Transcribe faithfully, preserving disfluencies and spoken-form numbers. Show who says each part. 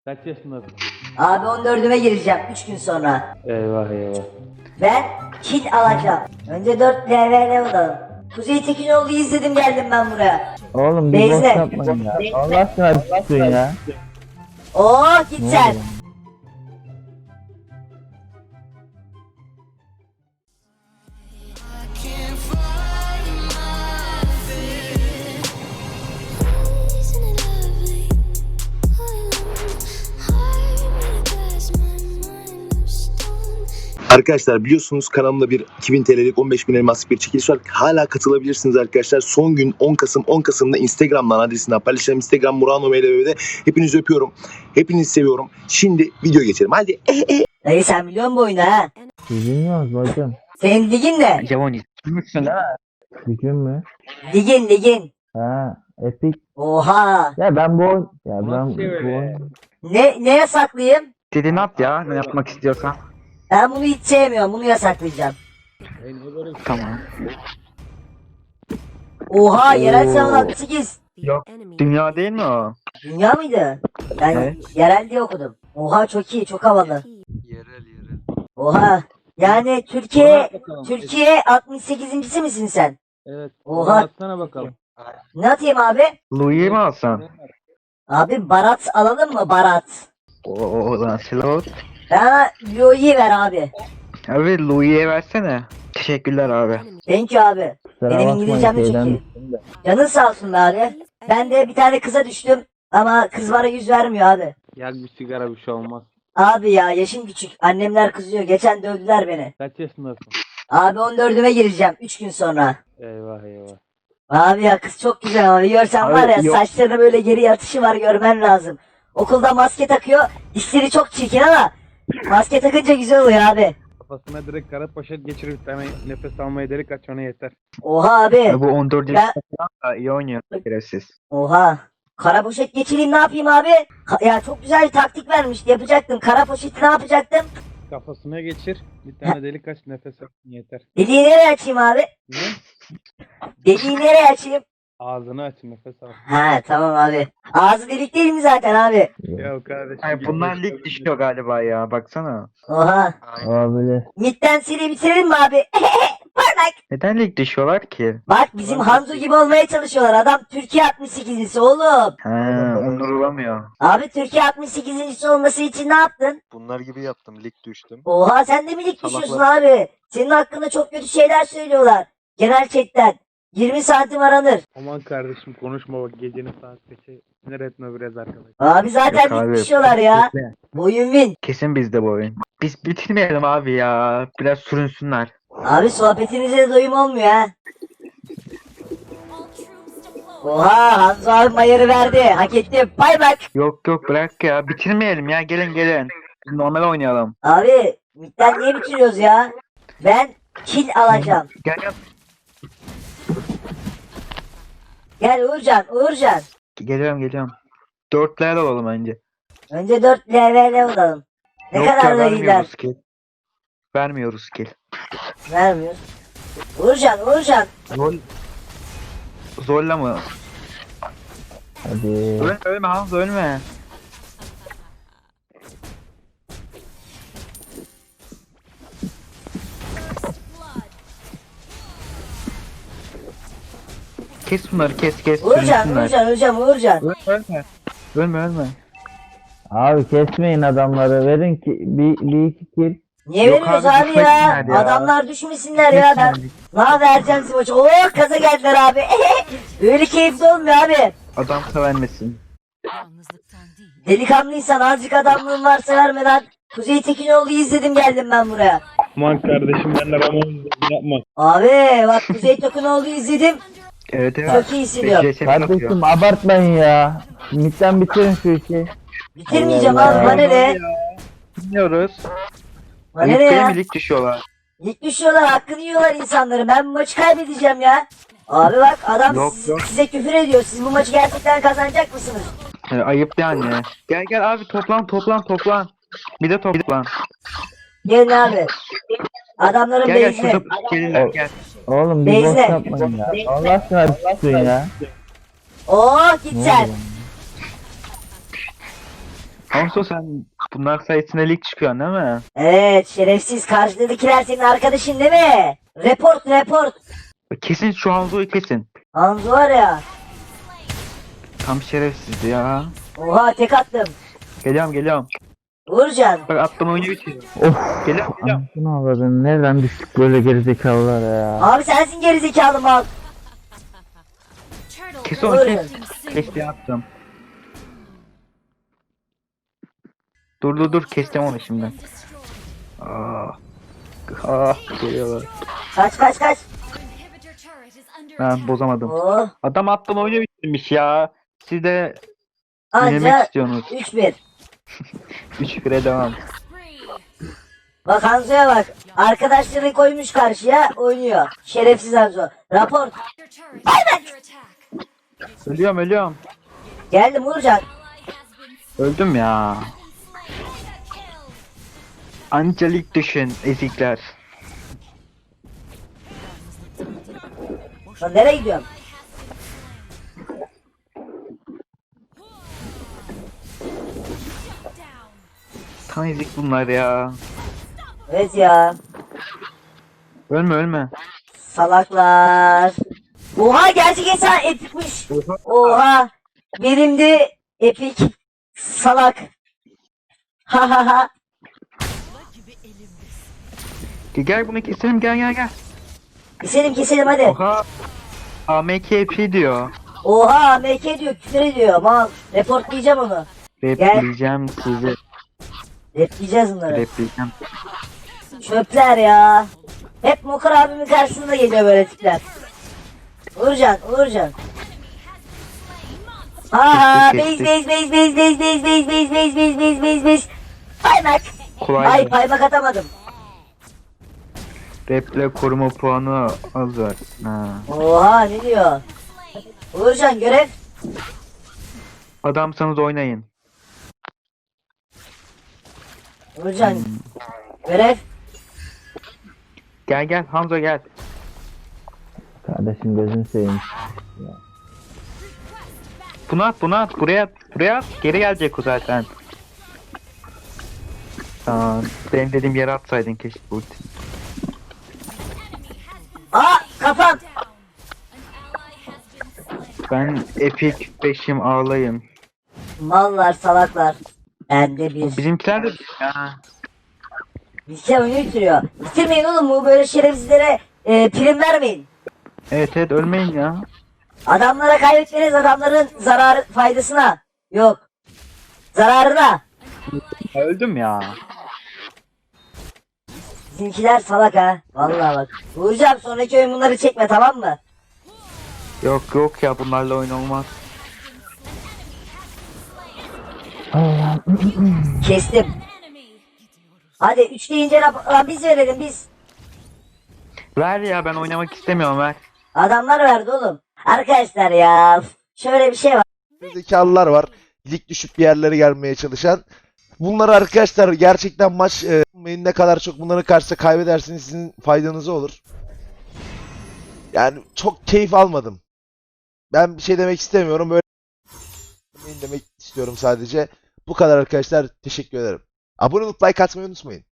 Speaker 1: Kaç yaşındasın?
Speaker 2: Abi on dördüme gireceğim üç gün sonra.
Speaker 1: Eyvah eyvah.
Speaker 2: Ben kit alacağım. Önce dört level alalım. Kuzey Tekinoğlu'yu izledim geldim ben buraya.
Speaker 3: Oğlum bir boş
Speaker 2: Beyze.
Speaker 3: yapmayın ya. Allah aşkına bir susun ya.
Speaker 2: Oo git
Speaker 3: Ne
Speaker 2: sen.
Speaker 3: oluyor?
Speaker 4: Isn't it lovely? Heart made of glass, my mind of stone.
Speaker 5: Arkadaşlar biliyorsunuz kanalımda bir iki bin T L'lik on beş bin elmaslık bir çekiliş var. Hala katılabilirsiniz arkadaşlar. Son gün on Kasım. on Kasım'da Instagram'dan adresinden paylaşacağım. Instagram Murano M L B'de. Hepinizi öpüyorum. Hepinizi seviyorum. Şimdi video geçelim. Hadi.
Speaker 2: Dayı sen biliyor musun bu oyunu ha?
Speaker 3: Biz bilmiyoruz bacım.
Speaker 2: Senin ligin ne?
Speaker 6: Javoni. Kimsin ha?
Speaker 3: Gücün mü?
Speaker 2: Ligin ligin.
Speaker 3: Ha, Epic.
Speaker 2: Oha.
Speaker 3: Ya ben bu oyun... Ya ben
Speaker 1: Nasıl
Speaker 3: bu
Speaker 1: öyle?
Speaker 3: oyun...
Speaker 2: Ne, ne yasaklayayım?
Speaker 6: Dediğini at ya. Ne yapmak istiyorsan.
Speaker 2: Ben bunu hiç sevmiyorum. Bunu yasaklayacağım.
Speaker 1: Ey, ne böyle bir şey?
Speaker 6: Tamam.
Speaker 2: Oha yerel sınavı altmış sekiz.
Speaker 6: Yok. Dünya değil mi o?
Speaker 2: Dünya mıydı? Ben
Speaker 6: Evet.
Speaker 2: yerel diye okudum. Oha çok iyi çok havalı.
Speaker 7: Yerel yerel.
Speaker 2: Oha. Yani Türkiye
Speaker 1: Bana bakalım.
Speaker 2: Türkiye altmış sekizincisi misin sen?
Speaker 1: Evet.
Speaker 2: Oha.
Speaker 1: Atsana bakalım.
Speaker 2: Ne atayım abi?
Speaker 6: Louis'i mi alsan?
Speaker 2: Abi barat alalım mı barat?
Speaker 6: O, o Lancelot.
Speaker 2: Bana Lyo'yu ver abi.
Speaker 6: Abi Louis'e versene. Teşekkürler abi.
Speaker 2: Thank you abi.
Speaker 3: Kusura
Speaker 2: Benim
Speaker 3: bakmayın,
Speaker 2: İngilizcem de çok
Speaker 3: şeyden
Speaker 2: iyi.
Speaker 3: düştüm de.
Speaker 2: Canın sağ olsun be abi. Ben de bir tane kıza düştüm. Ama kız bana yüz vermiyor abi.
Speaker 1: Yak bir sigara bir şey olmaz.
Speaker 2: Abi ya yaşım küçük. Annemler kızıyor. Geçen dövdüler beni.
Speaker 1: Kaç yaşındasın?
Speaker 2: Abi on dördüme gireceğim üç gün sonra.
Speaker 1: Eyvah eyvah.
Speaker 2: Abi ya kız çok güzel abi. Görsen
Speaker 6: Abi,
Speaker 2: var ya
Speaker 6: yok.
Speaker 2: saçlarına böyle geri yatışı var görmen lazım. Okulda maske takıyor. Dişleri çok çirkin ama maske takınca güzel oluyor abi.
Speaker 1: Kafasına direkt kara poşet geçirip bir tane nefes almaya delik aç ona yeter.
Speaker 2: Oha abi.
Speaker 6: Ya bu on dört
Speaker 2: Ben-
Speaker 6: yaşında falan da iyi oynuyor. Şerefsiz.
Speaker 2: Oha. Kara poşet geçireyim ne yapayım abi? Ka- ya çok güzel bir taktik vermişti yapacaktım. Kara poşeti ne yapacaktım?
Speaker 1: Kafasına geçir. Bir tane delik aç nefes al yeter.
Speaker 2: Deliği nereye açayım abi?
Speaker 1: Ne?
Speaker 2: Deliği nereye açayım?
Speaker 1: Ağzını aç nefes al.
Speaker 2: Ha tamam abi. Ağzı delik değil mi zaten abi?
Speaker 1: Ya kardeşim.
Speaker 6: Ay bunlar lig düşüyor galiba ya. Baksana.
Speaker 2: Oha.
Speaker 3: Olabilir.
Speaker 2: Midden seri bitirelim mi abi? Parmak.
Speaker 6: Neden lig düşüyorlar ki?
Speaker 2: Bak bizim Hanzo gibi olmaya çalışıyorlar. Adam Türkiye altmış sekizincisi oğlum.
Speaker 6: Ha, onur olamıyor.
Speaker 2: Abi Türkiye altmış sekizincisi olması için ne yaptın?
Speaker 7: Bunlar gibi yaptım. Lig düştüm.
Speaker 2: Oha sen de mi lig
Speaker 7: Salaklar.
Speaker 2: düşüyorsun abi? Senin hakkında çok kötü şeyler söylüyorlar. Genel chatten. yirmi santim aranır.
Speaker 1: Aman kardeşim konuşma bak gecenin saat kaçı. Sinir etme biraz arkadaş.
Speaker 2: Abi zaten
Speaker 6: Yok abi.
Speaker 2: lig düşüyorlar ya.
Speaker 6: Kesin-
Speaker 2: Boyun win.
Speaker 6: Kesin bizde bu oyun. Biz bitirmeyelim abi ya. Biraz sürünsünler.
Speaker 2: Abi sohbetinize de doyum olmuyor ha. Oha Hanzo abi mayarı verdi. Hak etti. Bay bak.
Speaker 6: Yok yok bırak ya. Bitirmeyelim ya. Gelin gelin. Biz normal oynayalım.
Speaker 2: Abi midden niye bitiriyoruz ya? Ben kill alacağım.
Speaker 6: Gel gel.
Speaker 2: Gel Uğurcan, Uğurcan.
Speaker 6: Geliyorum geliyorum. Dörtler alalım önce.
Speaker 2: Önce dört level alalım. Ne
Speaker 6: Yok
Speaker 2: kadar
Speaker 6: ya
Speaker 2: da gider.
Speaker 6: vermiyoruz kill. Vermiyoruz kill.
Speaker 2: Vermiyor. Uğurcan, Uğurcan.
Speaker 6: Zor... Zorla mı?
Speaker 3: Hadi.
Speaker 6: Ölme ölme Hamza ölme. Kes bunları kes kes
Speaker 2: Uğurcan,
Speaker 6: sürünsünler.
Speaker 2: Uğurcan, Uğurcan, Uğurcan.
Speaker 6: Ölme ölme. Ölme ölme.
Speaker 3: Abi kesmeyin adamları. Verin ki bir, bir iki kill.
Speaker 2: Niye
Speaker 6: Yok
Speaker 2: veriyoruz
Speaker 6: abi,
Speaker 2: abi, ya?
Speaker 6: düşmesinler ya.
Speaker 2: Adamlar düşmesinler ya. Ben ne vereceğim size maçı. Oo kaza geldiler abi. Öyle keyifli olmuyor abi.
Speaker 6: Adam vermesin.
Speaker 2: Delikanlıysan azıcık adamlığın varsa vermeden Kuzey Tekinoğlu'yu izledim geldim ben buraya.
Speaker 1: Aman kardeşim ben de Ramon izledim yapma.
Speaker 2: Abi bak Kuzey Tekinoğlu'yu izledim.
Speaker 6: Evet evet.
Speaker 2: Çok iyi hissediyorum.
Speaker 6: Beş yapıyor.
Speaker 3: Kardeşim abartmayın ya. Midden bitirin şu işi.
Speaker 2: Bitirmeyeceğim
Speaker 3: Allah
Speaker 2: abi
Speaker 3: Allah.
Speaker 2: bana ne?
Speaker 6: Bilmiyoruz.
Speaker 2: Bana ne
Speaker 6: Ayıp değil
Speaker 2: ya?
Speaker 6: mi lig düşüyorlar?
Speaker 2: Lig düşüyorlar hakkını yiyorlar insanları. Ben bu maçı kaybedeceğim ya. Abi bak adam
Speaker 6: Yok,
Speaker 2: siz-
Speaker 6: yok.
Speaker 2: size küfür ediyor. Siz bu maçı gerçekten kazanacak mısınız?
Speaker 6: E, ayıp yani. Gel gel abi toplan toplan toplan. Bir de toplan.
Speaker 2: Gelin abi. Adamların
Speaker 6: Gel gel
Speaker 2: base'ine.
Speaker 6: şurada gelirler gel.
Speaker 3: Oğlum bir boş
Speaker 2: Beyze.
Speaker 3: yapmayın ya. Allah aşkına bir susun ya.
Speaker 2: Oo git
Speaker 3: Ne
Speaker 2: sen.
Speaker 3: oluyor?
Speaker 6: Hanzo sen bunlar sayesinde lig çıkıyorsun değil mi?
Speaker 2: Evet şerefsiz karşıdakiler senin arkadaşın değil mi? Report report.
Speaker 6: Kesin şu Hanzo'yu kesin.
Speaker 2: Hanzo var ya.
Speaker 6: Tam şerefsiz ya.
Speaker 2: Oha tek attım.
Speaker 6: Geliyorum geliyorum.
Speaker 2: Uğurcan.
Speaker 6: Bak attım oyunu bitiriyor.
Speaker 3: Of.
Speaker 6: Geliyorum geliyorum.
Speaker 3: Anasını avradın. Nereden düştük böyle gerizekalılar ya.
Speaker 2: Abi sensin gerizekalı mal.
Speaker 6: Kes onu kes. Kesti attım. Dur dur dur keseceğim onu şimdi. Aa. Ah geliyorlar.
Speaker 2: Kaç kaç kaç.
Speaker 6: Ben bozamadım.
Speaker 2: Oh.
Speaker 6: Adam attım oyunu bitirmiş ya. Siz de yemek
Speaker 2: Anca
Speaker 6: istiyorsunuz.
Speaker 2: üç bir.
Speaker 6: üç bire devam.
Speaker 2: Bak Hanzo'ya bak. Arkadaşlarını koymuş karşıya oynuyor. Şerefsiz Hanzo. Rapor.
Speaker 6: Ölüyorum ölüyorum.
Speaker 2: Geldim Uğurcan.
Speaker 6: Öldüm ya. Anca lig düşün ezikler.
Speaker 2: Lan nereye gidiyorum?
Speaker 6: Tam ezik bunlar ya.
Speaker 2: Evet ya.
Speaker 6: Ölme ölme.
Speaker 2: Salaklar. Oha gerçek insan epikmiş. Oha. Benim de epik. Salak. Ha ha ha.
Speaker 6: Gel, gel bunu keselim gel gel gel.
Speaker 2: Keselim keselim hadi.
Speaker 6: Oha. A M K P diyor.
Speaker 2: Oha M K diyor küfür ediyor. Mal. Reportlayacağım onu.
Speaker 6: Repleyeceğim sizi.
Speaker 2: Repleyeceğiz bunları.
Speaker 6: Repleyeceğim.
Speaker 2: Çöpler ya. Hep Mokar abimin karşısında geliyor böyle tipler. Uğurcan, Uğurcan. Ha base
Speaker 6: Kestik,
Speaker 2: base base base base base base base base base base base base. Paymak.
Speaker 6: Kolay.
Speaker 2: Ay paymak atamadım.
Speaker 6: Reple koruma puanı az var. Ha.
Speaker 2: Oha ne diyor? Uğurcan görev.
Speaker 6: Adamsanız oynayın.
Speaker 2: Uğurcan görev.
Speaker 6: Gel gel Hamza gel.
Speaker 3: Kardeşim gözünü seveyim.
Speaker 6: Bunu at bunu at buraya at buraya at. Geri gelecek o zaten. Aa, benim dediğim yere atsaydın keşke ulti.
Speaker 2: Aa kafam.
Speaker 6: Ben epic beşim ağlayım.
Speaker 2: Mallar salaklar. Bende bir.
Speaker 6: Bizimkiler de ya.
Speaker 2: Bizimkiler oyunu bitiriyor. Bitirmeyin oğlum bu böyle şerefsizlere e, prim vermeyin.
Speaker 6: Evet evet ölmeyin ya.
Speaker 2: Adamlara kaybetmeniz adamların zararı faydasına. Yok. Zararına.
Speaker 6: Öldüm ya.
Speaker 2: Bizimkiler salak ha. Vallahi bak. Uğurcan sonraki oyun bunları çekme tamam mı?
Speaker 6: Yok yok ya bunlarla oyun olmaz.
Speaker 2: Kestim. Hadi üç deyince rap- lan biz verelim biz.
Speaker 6: Ver ya ben oynamak istemiyorum ver.
Speaker 2: Adamlar verdi oğlum. Arkadaşlar ya. Şöyle bir şey var.
Speaker 8: Zekalılar var. Lig düşüp bir yerlere gelmeye çalışan. Bunları arkadaşlar gerçekten maç e, ne kadar çok bunların karşısında kaybedersiniz sizin faydanıza olur. Yani çok keyif almadım. Ben bir şey demek istemiyorum. Böyle demek istiyorum sadece. Bu kadar arkadaşlar. Teşekkür ederim. Abone olup like atmayı unutmayın.